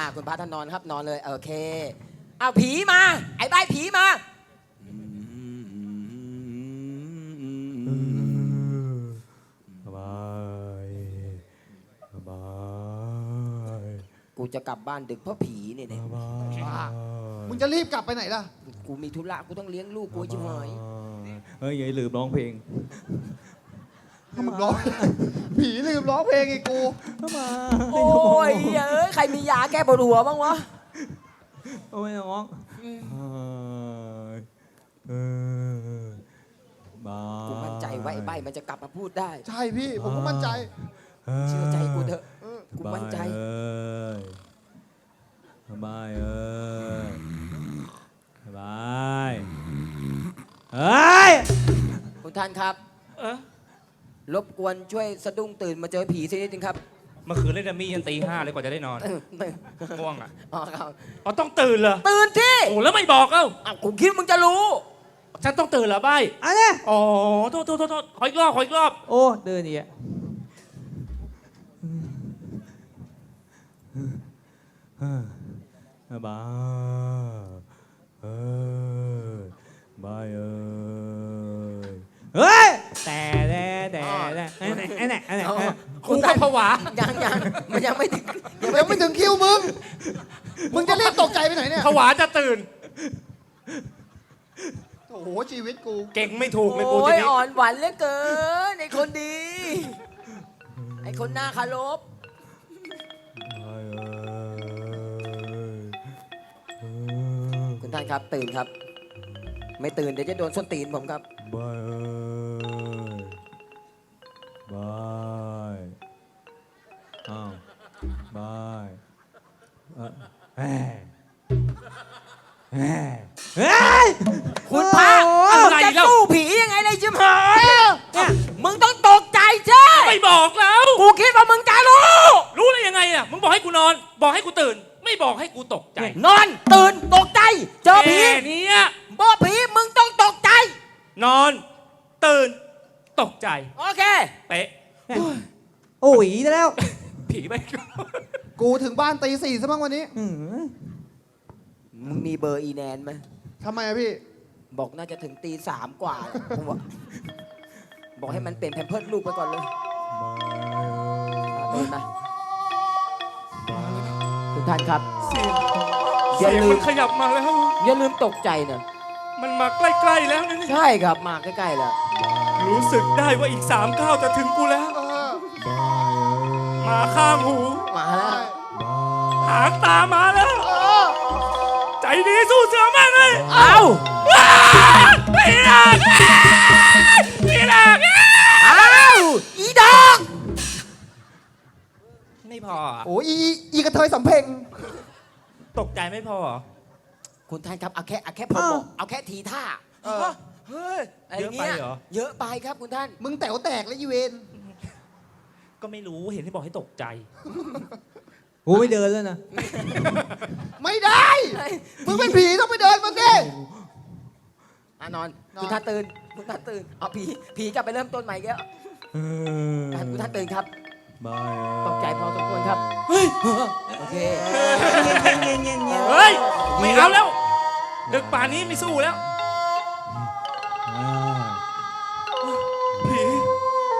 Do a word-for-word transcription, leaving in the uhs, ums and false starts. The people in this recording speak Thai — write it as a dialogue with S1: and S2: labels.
S1: คุณพระท่านนอนครับนอนเลยโอเคเอาผีมาไอ้ใบผีมา
S2: สบายสบาย
S1: กูจะกลับบ้านดึกเพราะผีเนี่ยเนี่ย
S3: มึงจะรีบกลับไปไหนล่ะ
S1: กูมีธุระกูต้องเลี้ยงลูกกูชิบหาย
S2: เฮ้ยอย่าลืมร้องเพลง
S3: ลืมร้องผีลืมร้องเพลงไอ้กู
S1: โอ้ยเอ้ยใครมียาแก้ปวดหัวบ้างวะ
S2: โอ้ยน้อง
S1: กูมั่นใจว่าไอ้ใบมันจะกลับมาพูดได้
S3: ใช่พี่ผมก็มั่นใจ
S1: เชื่อใจกูเถอะกูมั่นใจ
S2: บายเอ้ยบายเฮ้ย
S1: คุณท่านครับรบกวนช่วยสะดุ้งตื่นมาเจอผีสักนิดนึงครับ
S4: เมื่อคืนเล่นดัมมี่ยันตีห้าเลยกว่าจะได้นอนง่วงอ่ะ
S1: อ๋อครับ
S4: อ๋อต้องตื่นเหรอ
S1: ตื่นที่
S4: โอ้แล้วไม่บอกเอ้า
S1: อ้าวกูคิดมึงจะรู้
S4: ฉันต้องตื่นเหรอใบ
S2: อะไร
S4: อ๋อโทษโทษโทษขออีกรอบขออีกรอบ
S2: โอ้เดินอีกบายเอ้ยบายเอ้ยเฮ้ยแต่แต่แต่แต่ไอ้ไหนไอ้ไหนไอ้ไหน
S4: กูก็ผวา
S1: ยังยังมันยังไม่ถึง
S3: ยังไม่ถึงคิวมึงมึงจะรีบตกใจไปไหนเนี่ย
S4: ผวาจะตื่น
S3: โอ้โหชีวิตกู
S4: เก่งไม่ถูกเลยกู
S1: ที
S4: นี้
S1: อ่อนหวานเหลือเกินไอ้คนดีไอ้คนหน้าคารพคุณท่านครับตื่นครับไม่ตื่นเดี๋ยวจะโดนส้นตีนผมครับ
S2: บายเอ้ยบายอ้าวบายเออเฮ้ยเฮ้ยเฮ้ย
S1: คุณพระอะไรจะสู้ผียังไงเลยจิ๋มหายเนี่ยมึงต้องตกใจใช่
S4: ไม่บอกแล้ว
S1: กูคิดว่ามึงจะรู้
S4: รู้ได้ยังไงอ่ะมึงบอกให้กูนอนบอกให้กูตื่นไม่บอกให้กูตกใจ
S1: นอนตื่นตกใจเจอผี
S4: เนี่ย
S1: บอกผีมึงต้องตกใจ
S4: นอนตื่นตกใจ
S1: โอเค
S4: เป๊ะ
S2: โอ้ยแล้ว
S4: ผีไป
S3: กูถึงบ้านตีสี่ซะบ้างวันนี้
S1: มึงมีเบอร์อีแนนไหม
S3: ทำไมอะพี่
S1: บอกน่าจะถึงตีสามกว่าผมบอกบอกให้มันเปลี่ยนแพมเพิร์สลูกไปก่อนเลยเดินมาทุกท่านครับ
S4: อย่าลืมขยับมาแล้ว
S1: อย่าลืมตกใจนะ
S4: มันมาใกล้ๆแล้วนี่
S1: ใช่ครับมาใกล้ๆแล้ว
S4: รู้สึกได้ว่าอีกสามก้าวจะถึงกูแล้วมาข้างหู
S1: มาแล้ว
S4: หางตามาแล้วใจดีสู้เสือมากเลย
S1: เอา
S4: พี่หลักพี่หลัก
S1: เอาอีดอก
S4: ไม่พอ
S3: โอ้ยอีกระเทยสำเพ็ง
S4: ตกใจไม่พอ
S1: คุณท่านครับเอาแค่เอาแค่พอบอกเอาแค่ทีท่าเฮ้ย
S4: เยอะไปเหรอ
S1: เยอะไปครับคุณท่าน
S3: มึงแต๋วแตกแล้วยีเวน
S4: ก็ไม่รู้เห็นที่บอกให้ตกใจ
S2: กูไม่เดินแล้วนะ
S3: ไม่ได้มึงเป็นผีต้องไปเดินมึงดิ
S1: อ่ะนอนคุณท่านตื่นคุณท่านตื่นเอาผีผีกลับไปเริ่มต้นใหม่แล้วคุณท่านตื่นครับตกใจพอสมควรครับเฮ้ยโอเค
S4: เฮ้ยไม่เอาแล้วดึกป่านนี้ไม่สู้แล้ว